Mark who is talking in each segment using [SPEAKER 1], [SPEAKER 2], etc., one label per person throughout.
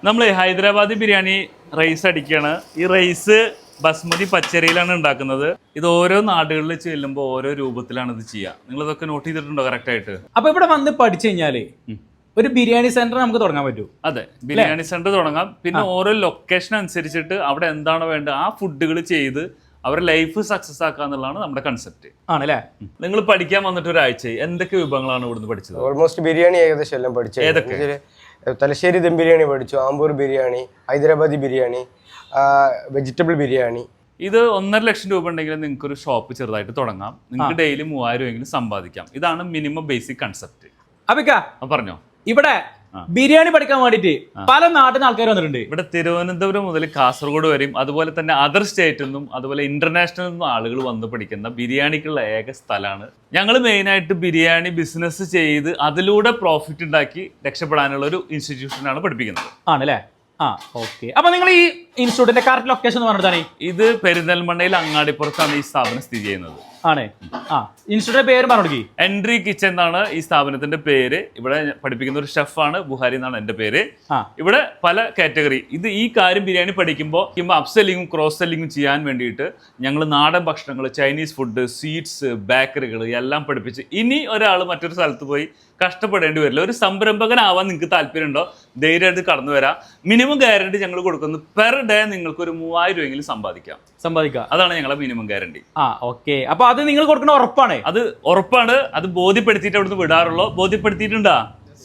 [SPEAKER 1] നമ്മൾ ഹൈദരാബാദി ബിരിയാണി റൈസ് അടിക്കുകയാണ്. ഈ റൈസ് ബസ്മതി പച്ചരിയിലാണ് ഉണ്ടാക്കുന്നത്. ഇത് ഓരോ നാടുകളിൽ ചെല്ലുമ്പോൾ ഓരോ രൂപത്തിലാണ് ഇത് ചെയ്യുക. നിങ്ങൾ ഇതൊക്കെ നോട്ട് ചെയ്തിട്ടുണ്ടോ കറക്റ്റ് ആയിട്ട്?
[SPEAKER 2] അപ്പൊ ഇവിടെ വന്ന് പഠിച്ചു കഴിഞ്ഞാല് ഒരു ബിരിയാണി സെന്റർ നമുക്ക് തുടങ്ങാൻ പറ്റും.
[SPEAKER 1] അതെ, ബിരിയാണി സെന്റർ തുടങ്ങാം. പിന്നെ ഓരോ ലൊക്കേഷൻ അനുസരിച്ചിട്ട് അവിടെ എന്താണോ വേണ്ടത് ആ ഫുഡുകൾ ചെയ്ത് അവരുടെ ലൈഫ് സക്സസ് ആക്കുക എന്നുള്ളതാണ് നമ്മുടെ കൺസെപ്റ്റ്.
[SPEAKER 2] ആണല്ലേ?
[SPEAKER 1] നിങ്ങൾ പഠിക്കാൻ വന്നിട്ട് ഒരാഴ്ച എന്തൊക്കെ വിഭവങ്ങളാണ് ഇവിടുന്ന് പഠിച്ചത്?
[SPEAKER 3] ഓൾമോസ്റ്റ് ബിരിയാണി ഏകദേശം എല്ലാം പഠിച്ചു.
[SPEAKER 1] ഏതൊക്കെ?
[SPEAKER 3] തലശ്ശേരി ദം ബിരിയാണി പഠിച്ചു, ആമ്പൂർ ബിരിയാണി, ഹൈദരാബാദി ബിരിയാണി, വെജിറ്റബിൾ ബിരിയാണി.
[SPEAKER 1] ഇത് 1.5 ലക്ഷം രൂപ ഉണ്ടെങ്കിൽ നിങ്ങൾക്ക് ഒരു ഷോപ്പ് ചെറുതായിട്ട് തുടങ്ങാം. നിങ്ങൾക്ക് ഡെയിലി 3000 എങ്കിലും സമ്പാദിക്കാം. ഇതാണ് മിനിമം ബേസിക് കൺസെപ്റ്റ്. പറഞ്ഞോ.
[SPEAKER 2] ഇവിടെ ബിരിയാണി പഠിക്കാൻ വേണ്ടിട്ട് പല നാട്ടിൽ നിന്ന് ആൾക്കാർ വന്നിട്ടുണ്ട്.
[SPEAKER 1] ഇവിടെ തിരുവനന്തപുരം മുതൽ കാസർഗോഡ് വരെയും അതുപോലെ തന്നെ അതർ സ്റ്റേറ്റിൽ നിന്നും അതുപോലെ ഇന്റർനാഷണൽ നിന്നും ആളുകൾ വന്ന് പഠിക്കുന്ന ബിരിയാണിക്കുള്ള ഏക സ്ഥലമാണ്. ഞങ്ങൾ മെയിനായിട്ട് ബിരിയാണി ബിസിനസ് ചെയ്ത് അതിലൂടെ പ്രോഫിറ്റ് ഉണ്ടാക്കി രക്ഷപ്പെടാനുള്ള ഒരു ഇൻസ്റ്റിറ്റ്യൂഷനാണ് പഠിപ്പിക്കുന്നത്.
[SPEAKER 2] ആണല്ലേ? ഓക്കെ. അപ്പൊ നിങ്ങൾ ഈ ഇൻസ്റ്റിറ്റ്യൂട്ടിന്റെ കറക്റ്റ് ലൊക്കേഷൻ എന്ന് പറഞ്ഞതാണ്?
[SPEAKER 1] ഇത് പെരിന്തൽമണ്ണയിൽ അങ്ങാടിപ്പുറത്താണ് ഈ സ്ഥാപനം സ്ഥിതി ചെയ്യുന്നത്.
[SPEAKER 2] ആണ്. ഇൻസ്റ്റിറ്റ്യൂട്ടിന്റെ പേര് പറഞ്ഞു.
[SPEAKER 1] എൻട്രി കിച്ചൺ എന്നാണ് ഈ സ്ഥാപനത്തിന്റെ പേര്. ഇവിടെ പഠിപ്പിക്കുന്ന ഒരു ഷെഫാണ്, ബുഹാരി എന്നാണ് എന്റെ പേര്. ഇവിടെ പല കാറ്റഗറി ഈ കാര്യം ബിരിയാണി പഠിക്കുമ്പോൾ അപ്സെല്ലിങ്ങും ക്രോസ് സെല്ലിങ്ങും ചെയ്യാൻ വേണ്ടിയിട്ട് ഞങ്ങൾ നാടൻ ഭക്ഷണങ്ങൾ, ചൈനീസ് ഫുഡ്, സ്വീറ്റ്സ്, ബേക്കറികൾ എല്ലാം പഠിപ്പിച്ച് ഇനി ഒരാൾ മറ്റൊരു സ്ഥലത്ത് പോയി കഷ്ടപ്പെടേണ്ടി വരില്ല. ഒരു സംരംഭകനാവാൻ നിങ്ങൾക്ക് താല്പര്യമുണ്ടോ, ധൈര്യമായിട്ട് കടന്നു വരാം. മിനിമം ഗ്യാരണ്ടി ഞങ്ങൾ കൊടുക്കുന്നത് പെർ ഡേ നിങ്ങൾക്ക് ഒരു 3000 രൂപയെങ്കിലും സമ്പാദിക്കാം. അതാണ് ഞങ്ങളെ മിനിമം ഗ്യാരണ്ടി.
[SPEAKER 2] ഓക്കെ. അപ്പൊ അത് നിങ്ങൾ കൊടുക്കുന്ന ഉറപ്പാണ്?
[SPEAKER 1] അത് ഉറപ്പാണ്. അത് ബോധ്യപ്പെടുത്തിയിട്ട് അവിടുന്ന് വിടാറുള്ളൂ. ബോധ്യപ്പെടുത്തിയിട്ടുണ്ടാ?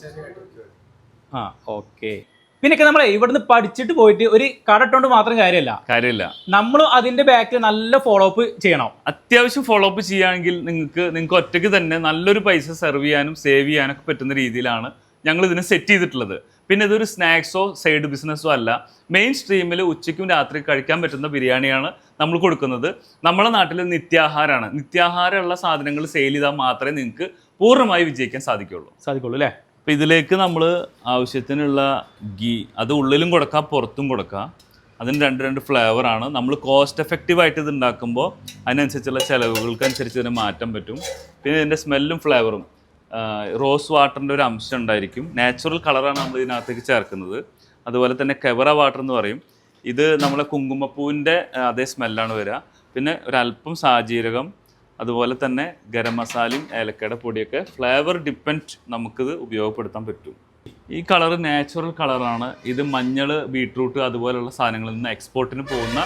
[SPEAKER 2] ഓക്കെ. പിന്നെ നമ്മളെ ഇവിടുന്ന് പഠിച്ചിട്ട് പോയിട്ട് ഒരു കട ഇട്ടോണ്ട് മാത്രം കാര്യമില്ല. നമ്മൾ അതിന്റെ ബാക്കിൽ നല്ല ഫോളോ അപ്പ് ചെയ്യണം.
[SPEAKER 1] അത്യാവശ്യം ഫോളോ അപ്പ് ചെയ്യുകയാണെങ്കിൽ നിങ്ങൾക്ക് ഒറ്റയ്ക്ക് തന്നെ നല്ലൊരു പൈസ സെർവ് ചെയ്യാനും സേവ് ചെയ്യാനൊക്കെ പറ്റുന്ന രീതിയിലാണ് ഞങ്ങൾ ഇതിനെ സെറ്റ് ചെയ്തിട്ടുള്ളത്. പിന്നെ ഇതൊരു സ്നാക്സോ സൈഡ് ബിസിനസ്സോ അല്ല. മെയിൻ സ്ട്രീമിൽ ഉച്ചയ്ക്കും രാത്രി കഴിക്കാൻ പറ്റുന്ന ബിരിയാണിയാണ് നമ്മൾ കൊടുക്കുന്നത്. നമ്മുടെ നാട്ടിൽ നിത്യാഹാരമാണ്. നിത്യാഹാരമുള്ള സാധനങ്ങൾ സെയിൽ ചെയ്താൽ മാത്രമേ നിങ്ങൾക്ക് പൂർണ്ണമായി വിജയിക്കാൻ സാധിക്കുള്ളൂ
[SPEAKER 2] അല്ലേ?
[SPEAKER 1] അപ്പോൾ ഇതിലേക്ക് നമ്മൾ ആവശ്യത്തിനുള്ള ഗീ, അത് ഉള്ളിലും കൊടുക്കാം പുറത്തും കൊടുക്കാം. അതിന് രണ്ട് ഫ്ലേവറാണ്. നമ്മൾ കോസ്റ്റ് എഫക്റ്റീവായിട്ട് ഇത് ഉണ്ടാക്കുമ്പോൾ അതിനനുസരിച്ചുള്ള ചിലവുകൾക്കനുസരിച്ച് ഇതിനെ മാറ്റാൻ പറ്റും. പിന്നെ ഇതിൻ്റെ സ്മെല്ലും ഫ്ലേവറും റോസ് വാട്ടറിൻ്റെ ഒരു അംശം ഉണ്ടായിരിക്കും. നാച്ചുറൽ കളറാണ് നമ്മൾ ഇതിനകത്തേക്ക് ചേർക്കുന്നത്. അതുപോലെ തന്നെ കെവറ വാട്ടർ എന്ന് പറയും. ഇത് നമ്മളെ കുങ്കുമപ്പൂവിൻ്റെ അതേ സ്മെല്ലാണ് വരിക. പിന്നെ ഒരല്പം സാജീരകം, അതുപോലെ തന്നെ ഗരം മസാലയും ഏലക്കയുടെ പൊടിയൊക്കെ ഫ്ലേവർ ഡിപ്പെൻഡ് നമുക്കിത് ഉപയോഗപ്പെടുത്താൻ പറ്റും. ഈ കളറ് നാച്ചുറൽ കളറാണ്. ഇത് മഞ്ഞൾ, ബീട്രൂട്ട് അതുപോലെയുള്ള സാധനങ്ങളിൽ നിന്ന് എക്സ്പോർട്ടിന് പോകുന്ന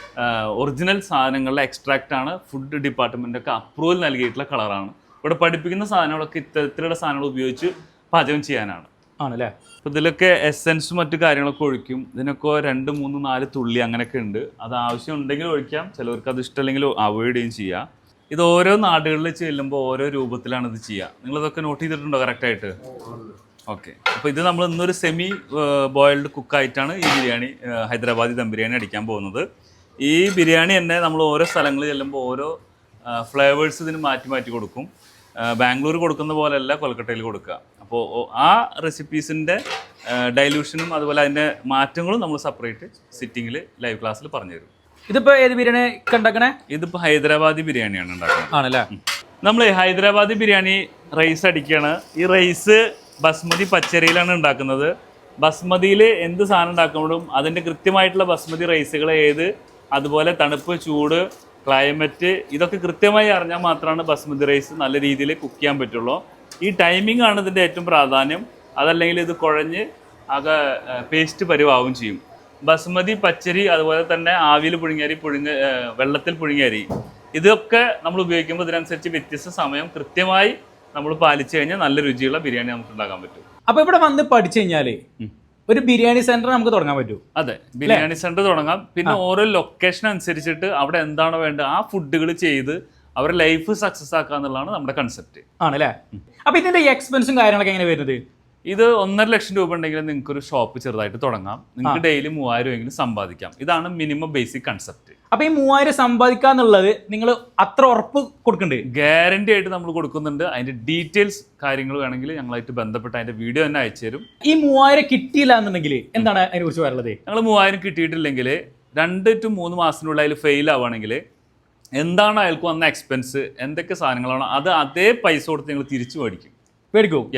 [SPEAKER 1] ഒറിജിനൽ സാധനങ്ങളുടെ എക്സ്ട്രാക്റ്റാണ്. ഫുഡ് ഡിപ്പാർട്ട്മെൻറ്റൊക്കെ അപ്രൂവൽ നൽകിയിട്ടുള്ള കളറാണ്. ഇവിടെ പഠിപ്പിക്കുന്ന സാധനങ്ങളൊക്കെ ഇത്തരത്തിലുള്ള സാധനങ്ങൾ ഉപയോഗിച്ച് പാചകം ചെയ്യാനാണ്.
[SPEAKER 2] ആണല്ലേ?
[SPEAKER 1] അപ്പോൾ ഇതിലൊക്കെ എസെൻസും മറ്റു കാര്യങ്ങളൊക്കെ ഒഴിക്കും. ഇതിനൊക്കെ 2, 3, 4 തുള്ളി അങ്ങനെയൊക്കെ ഉണ്ട്. അത് ആവശ്യം ഉണ്ടെങ്കിൽ ഒഴിക്കാം, ചിലവർക്ക് അത് ഇഷ്ടമല്ലെങ്കിൽ അവോയ്ഡ് ചെയ്യുകയും ചെയ്യാം. ഇത് ഓരോ നാടുകളിൽ ചെല്ലുമ്പോൾ ഓരോ രൂപത്തിലാണ് ഇത് ചെയ്യുക. നിങ്ങളിതൊക്കെ നോട്ട് ചെയ്തിട്ടുണ്ടോ കറക്റ്റായിട്ട്? ഓക്കെ. അപ്പോൾ ഇത് നമ്മൾ ഇന്നൊരു സെമി ബോയിൽഡ് കുക്കായിട്ടാണ് ഈ ബിരിയാണി, ഹൈദരാബാദി ദം ബിരിയാണി അടിക്കാൻ പോകുന്നത്. ഈ ബിരിയാണി തന്നെ നമ്മൾ ഓരോ സ്ഥലങ്ങളിൽ ചെല്ലുമ്പോൾ ഓരോ ഫ്ലേവേഴ്സ് ഇതിന് മാറ്റി കൊടുക്കും. ബാംഗ്ലൂർ കൊടുക്കുന്ന പോലെയല്ല കൊൽക്കട്ടയിൽ കൊടുക്കുക. അപ്പോൾ ആ റെസിപ്പീസിൻ്റെ ഡൈല്യൂഷനും അതുപോലെ അതിൻ്റെ മാറ്റങ്ങളും നമ്മൾ സെപ്പറേറ്റ് സിറ്റിങ്ങിൽ ലൈവ് ക്ലാസ്സിൽ പറഞ്ഞുതരും.
[SPEAKER 2] ഇതിപ്പോൾ ഏത് ബിരിയാണി ഉണ്ടാക്കണേ?
[SPEAKER 1] ഇതിപ്പോൾ ഹൈദരാബാദി ബിരിയാണിയാണ് ഉണ്ടാക്കുന്നത്.
[SPEAKER 2] ആണല്ലേ?
[SPEAKER 1] നമ്മൾ ഹൈദരാബാദി ബിരിയാണി റൈസ് അടിക്കുകയാണ്. ഈ റൈസ് ബസ്മതി പച്ചരിയിലാണ് ഉണ്ടാക്കുന്നത്. ബസ്മതിയിൽ എന്ത് സാധനം ഉണ്ടാക്കുമ്പോഴും അതിൻ്റെ കൃത്യമായിട്ടുള്ള ബസ്മതി റൈസുകൾ അതുപോലെ തണുപ്പ്, ചൂട്, ക്ലൈമറ്റ് ഇതൊക്കെ കൃത്യമായി അറിഞ്ഞാൽ മാത്രമാണ് ബസ്മതി റൈസ് നല്ല രീതിയിൽ കുക്ക് ചെയ്യാൻ പറ്റുള്ളൂ. ഈ ടൈമിംഗ് ആണ് ഇതിൻ്റെ ഏറ്റവും പ്രാധാന്യം. അതല്ലെങ്കിൽ ഇത് കുഴഞ്ഞ് ആകെ പേസ്റ്റ് പരിവാവും ചെയ്യും. ബസ്മതി പച്ചരി അതുപോലെ തന്നെ ആവിയിൽ പുഴുങ്ങിയരി, വെള്ളത്തിൽ പുഴുങ്ങിയരി ഇതൊക്കെ നമ്മൾ ഉപയോഗിക്കുമ്പോൾ ഇതിനനുസരിച്ച് വ്യത്യസ്ത സമയം കൃത്യമായി നമ്മൾ പാലിച്ചു കഴിഞ്ഞാൽ നല്ല രുചിയുള്ള ബിരിയാണി നമുക്ക് ഉണ്ടാക്കാൻ പറ്റും.
[SPEAKER 2] അപ്പോൾ ഇവിടെ വന്ന് പഠിച്ചു കഴിഞ്ഞാൽ ഒരു ബിരിയാണി സെന്റർ നമുക്ക് തുടങ്ങാൻ പറ്റും.
[SPEAKER 1] അതെ, ബിരിയാണി സെന്റർ തുടങ്ങാം. പിന്നെ ഓരോ ലൊക്കേഷൻ അനുസരിച്ചിട്ട് അവിടെ എന്താണോ വേണ്ടത് ആ ഫുഡുകൾ ചെയ്ത് അവരുടെ ലൈഫ് സക്സസ് ആക്കുക എന്നുള്ളതാണ് നമ്മുടെ കൺസെപ്റ്റ്.
[SPEAKER 2] ആണല്ലേ? അപ്പൊ ഇതിന്റെ എക്സ്പെൻസും കാര്യങ്ങളൊക്കെ എങ്ങനെ വരുന്നത്?
[SPEAKER 1] ഇത് 1.5 ലക്ഷം രൂപ ഉണ്ടെങ്കിൽ നിങ്ങൾക്ക് ഒരു ഷോപ്പ് ചെറുതായിട്ട് തുടങ്ങാം. നിങ്ങൾക്ക് ഡെയിലി 3000 രൂപയെങ്കിലും സമ്പാദിക്കാം. ഇതാണ് മിനിമം ബേസിക് കൺസെപ്റ്റ്.
[SPEAKER 2] അപ്പൊ ഈ 3000 സമ്പാദിക്കാന്നുള്ളത് നിങ്ങൾ അത്ര ഉറപ്പ് കൊടുക്കണ്ടേ?
[SPEAKER 1] ഗ്യാരണ്ടി ആയിട്ട് നമ്മൾ കൊടുക്കുന്നുണ്ട്. അതിന്റെ ഡീറ്റെയിൽസ് കാര്യങ്ങൾ വേണമെങ്കിൽ ഞങ്ങളായിട്ട് ബന്ധപ്പെട്ട് അതിന്റെ വീഡിയോ തന്നെ അയച്ചു തരും.
[SPEAKER 2] ഈ 3000 കിട്ടിയില്ല എന്നുണ്ടെങ്കിൽ എന്താണ് അതിനെ കുറിച്ച് പറയുന്നത്?
[SPEAKER 1] ഞങ്ങൾ 3000 കിട്ടിയിട്ടില്ലെങ്കിൽ 2 to 3 മാസത്തിനുള്ളിൽ അതിൽ ഫെയിൽ ആവുകയാണെങ്കിൽ എന്താണ് അയാൾക്ക് വന്ന എക്സ്പെൻസ്, എന്തൊക്കെ സാധനങ്ങളാണോ അത് അതേ പൈസ കൊടുത്ത് ഞങ്ങൾ തിരിച്ചു മേടിക്കും.
[SPEAKER 2] മേടിക്കും?
[SPEAKER 1] യെസ്.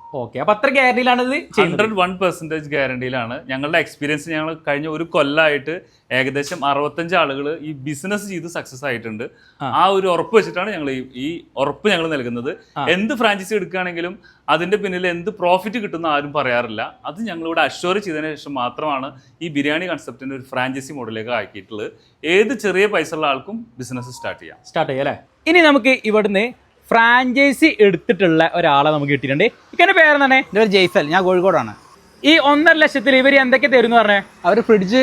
[SPEAKER 2] ഓക്കെ, അപ്പൊ അത്ര ഗ്യാരണ്ടിയിലാണ് ഇത് ചെയ്യുന്നത്.
[SPEAKER 1] 101% ഗ്യാരണ്ടിയിലാണ്. ഞങ്ങളുടെ എക്സ്പീരിയൻസ് ഞങ്ങൾ കഴിഞ്ഞ ഒരു കൊല്ലമായിട്ട് ഏകദേശം 65 ആളുകൾ ഈ ബിസിനസ് ചെയ്ത് സക്സസ് ആയിട്ടുണ്ട്. ആ ഒരു ഉറപ്പ് വെച്ചിട്ടാണ് ഞങ്ങൾ ഈ ഉറപ്പ് ഞങ്ങൾ നൽകുന്നത്. എന്ത് ഫ്രാഞ്ചൈസി എടുക്കുകയാണെങ്കിലും അതിന്റെ പിന്നിൽ എന്ത് പ്രോഫിറ്റ് കിട്ടുന്ന ആരും പറയാറില്ല. അത് ഞങ്ങളിവിടെ അഷ്വർ ചെയ്തതിനു ശേഷം മാത്രമാണ് ഈ ബിരിയാണി കൺസെപ്റ്റിന്റെ ഒരു ഫ്രാഞ്ചൈസി മോഡലിലേക്ക് ആക്കിയിട്ടുള്ളത്. ഏത് ചെറിയ പൈസ ഉള്ള ആൾക്കും ബിസിനസ് സ്റ്റാർട്ട് ചെയ്യാം അല്ലേ?
[SPEAKER 2] ഇനി നമുക്ക് ഇവിടുന്ന് ഫ്രാഞ്ചൈസി എടുത്തിട്ടുള്ള ഒരാളെ നമുക്ക് കിട്ടിയിട്ടുണ്ട്. ഇക്കൻ്റെ പേരെന്താണ്?
[SPEAKER 4] എൻ്റെ പേര് ജയ്സൽ, ഞാൻ കോഴിക്കോടാണ്.
[SPEAKER 2] ഈ 1.5 ലക്ഷത്തിൽ ഇവർ എന്തൊക്കെ തരും എന്ന് പറഞ്ഞേ?
[SPEAKER 4] അവർ ഫ്രിഡ്ജ്,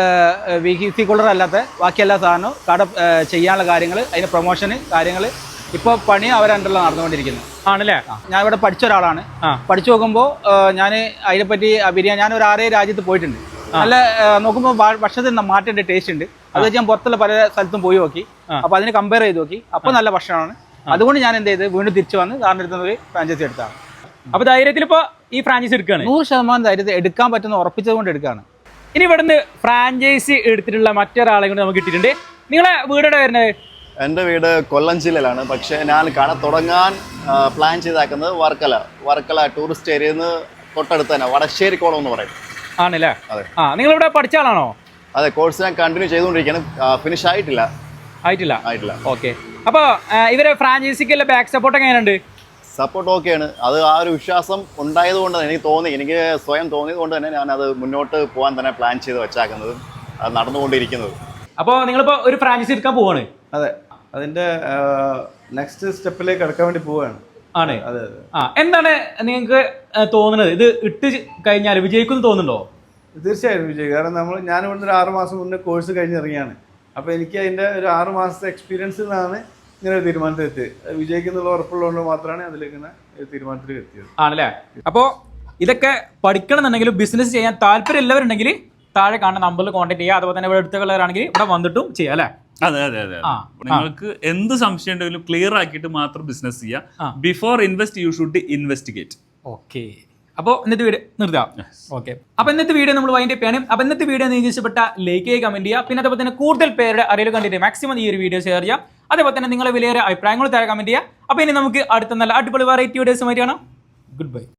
[SPEAKER 4] VC കൂളർ അല്ലാത്ത ബാക്കി എല്ലാ സാധനവും കട ചെയ്യാനുള്ള കാര്യങ്ങൾ, അതിന് പ്രൊമോഷന് കാര്യങ്ങൾ ഇപ്പോൾ പണി അവരണ്ടല്ലോ നടന്നുകൊണ്ടിരിക്കുന്നത്
[SPEAKER 2] ആണല്ലേ?
[SPEAKER 4] ഞാൻ ഇവിടെ പഠിച്ച ഒരാളാണ്. പഠിച്ചു നോക്കുമ്പോൾ ഞാൻ അതിനെപ്പറ്റി ബിരിയാണി ഞാൻ ഒരു 6 രാജ്യത്ത് പോയിട്ടുണ്ട്. നല്ല നോക്കുമ്പോൾ ഭക്ഷണത്തിന് മാറ്റേണ്ട ടേസ്റ്റ് ഉണ്ട്. അത് വെച്ച് ഞാൻ പുറത്തുള്ള പല സ്ഥലത്തും പോയി നോക്കി. അപ്പോൾ അതിന് കമ്പയർ ചെയ്ത് നോക്കി. അപ്പോൾ നല്ല ഭക്ഷണമാണ്. അതുകൊണ്ട് ഞാൻ എന്ത് ചെയ്ത് വീണ്ടും തിരിച്ചു വന്ന് സാറിൻ്റെ അടുത്ത് ഒരു ഫ്രാഞ്ചൈസി എടുത്താണ്.
[SPEAKER 2] അപ്പോൾ ധൈര്യത്തിൽ ഇപ്പോൾ ഈ ഫ്രാഞ്ചൈസി എടുക്കുകയാണ്?
[SPEAKER 4] 100% ധൈര്യത്തിൽ എടുക്കാൻ പറ്റുന്ന ഉറപ്പിച്ചത് കൊണ്ട് എടുക്കുകയാണ്.
[SPEAKER 2] ഇനി ഇവിടുന്ന് ഫ്രാഞ്ചൈസി എടുത്തിട്ടുള്ള മറ്റൊരാളെ കൊണ്ട് നമുക്ക് കിട്ടിയിട്ടുണ്ട്. നിങ്ങളെ വീടെവിടെ വരുന്നത്?
[SPEAKER 5] എൻ്റെ വീട് കൊല്ലം ജില്ലയിലാണ്. പക്ഷേ ഞാൻ കട തുടങ്ങാൻ പ്ലാൻ ചെയ്താക്കുന്നത് വർക്കല ടൂറിസ്റ്റ് ഏരിയയിൽ നിന്ന് തൊട്ടടുത്ത് തന്നെ വടശ്ശേരിക്കോളം എന്ന് പറയും.
[SPEAKER 2] ആണല്ലേ?
[SPEAKER 5] അതെ.
[SPEAKER 2] നിങ്ങളിവിടെ പഠിച്ച ആളാണോ?
[SPEAKER 5] അതെ, കോഴ്സ് ഞാൻ കണ്ടിന്യൂ ചെയ്തുകൊണ്ടിരിക്കുകയാണ്. ഫിനിഷ് ആയിട്ടില്ല.
[SPEAKER 2] ഓക്കെ. അപ്പോൾ ഇവരെ ഫ്രാഞ്ചൈസിക്കുള്ള ബാക്ക് സപ്പോർട്ട് എങ്ങനെയുണ്ട്?
[SPEAKER 5] സപ്പോർട്ട് ഓക്കെയാണ്. അത് ആ ഒരു വിശ്വാസം ഉണ്ടായത് കൊണ്ട് തന്നെ എനിക്ക് സ്വയം തോന്നിയത് കൊണ്ട് തന്നെ ഞാൻ അത് മുന്നോട്ട് പോകാൻ തന്നെ പ്ലാൻ ചെയ്ത് വെച്ചാക്കുന്നത്, അത് നടന്നുകൊണ്ടിരിക്കുന്നത്.
[SPEAKER 2] അപ്പോൾ നിങ്ങളിപ്പോൾ ഒരു ഫ്രാഞ്ചൈസി എടുക്കാൻ പോവാണ്?
[SPEAKER 6] അതെ, അതിന്റെ നെക്സ്റ്റ് സ്റ്റെപ്പിലേക്ക് എടുക്കാൻ വേണ്ടി പോവുകയാണ്.
[SPEAKER 2] ആണ്. എന്താണ് നിങ്ങൾക്ക് തോന്നുന്നത്? ഇത് ഇട്ട് കഴിഞ്ഞാൽ വിജയിക്കുമെന്ന് തോന്നുന്നുണ്ടോ?
[SPEAKER 6] തീർച്ചയായും വിജയിക്കും. കാരണം ഞാൻ ഇവിടുന്ന് ഒരു 6 മാസം മുന്നേ കോഴ്സ് കഴിഞ്ഞിറങ്ങിയാണ്. അപ്പോൾ എനിക്ക് അതിൻ്റെ ഒരു 6 മാസത്തെ എക്സ്പീരിയൻസിൽ നിന്നാണ് ഇങ്ങനെ ഒരു തീരുമാനത്തിലെത്തിയത്. വിജയിക്കുന്നുള്ള ഉറപ്പുള്ളതുകൊണ്ട് മാത്രമാണ് അതിലേക്ക് ഇങ്ങനെ തീരുമാനത്തിൽ എത്തിയത്.
[SPEAKER 2] ആണല്ലേ? അപ്പോൾ ഇതൊക്കെ പഠിക്കണം എന്നുണ്ടെങ്കിൽ ബിസിനസ് ചെയ്യാൻ താല്പര്യമുള്ളവരുണ്ടെങ്കിൽ താഴെ കാണുന്ന നമ്പറിൽ കോൺടാക്ട് ചെയ്യുക. അതുപോലെ തന്നെ ഇവിടെ അടുത്തുള്ളവരാണെങ്കിൽ ഇവിടെ വന്നിട്ടും ചെയ്യാം അല്ലേ?
[SPEAKER 1] അതെ. നിങ്ങൾക്ക് എന്ത് സംശയം ഉണ്ടെങ്കിലും ക്ലിയർ ആക്കിയിട്ട് മാത്രം ബിസിനസ് ചെയ്യാം. Before invest you should investigate.
[SPEAKER 2] Okay. അപ്പോൾ ഇന്നത്തെ വീഡിയോ നിർത്താം. ഓക്കെ. അപ്പോൾ ഇന്നത്തെ വീഡിയോ നമ്മൾ വൈൻഡ് അപ്പ് ചെയ്യണം. അപ്പോൾ ഇന്നത്തെ വീഡിയോ നിങ്ങൾക്ക് ഇഷ്ടപ്പെട്ട ലൈക്ക് ചെയ്യുക, കമന്റ് ചെയ്യുക. പിന്നെ അതേപോലെ തന്നെ കൂടുതൽ പേരുടെ അറിയൽ കണ്ടിട്ട് മാക്സിമം ഈ ഒരു വീഡിയോ ഷെയർ ചെയ്യാം. അതേപോലെ തന്നെ നിങ്ങളെ വിലയേറെ അഭിപ്രായങ്ങൾ താഴെ കമന്റ് ചെയ്യുക. അപ്പോൾ ഇനി നമുക്ക് അടുത്ത നല്ല അടിപൊളി വെറൈറ്റി വീഡിയോസുമായിട്ട് കാണാം. Good by.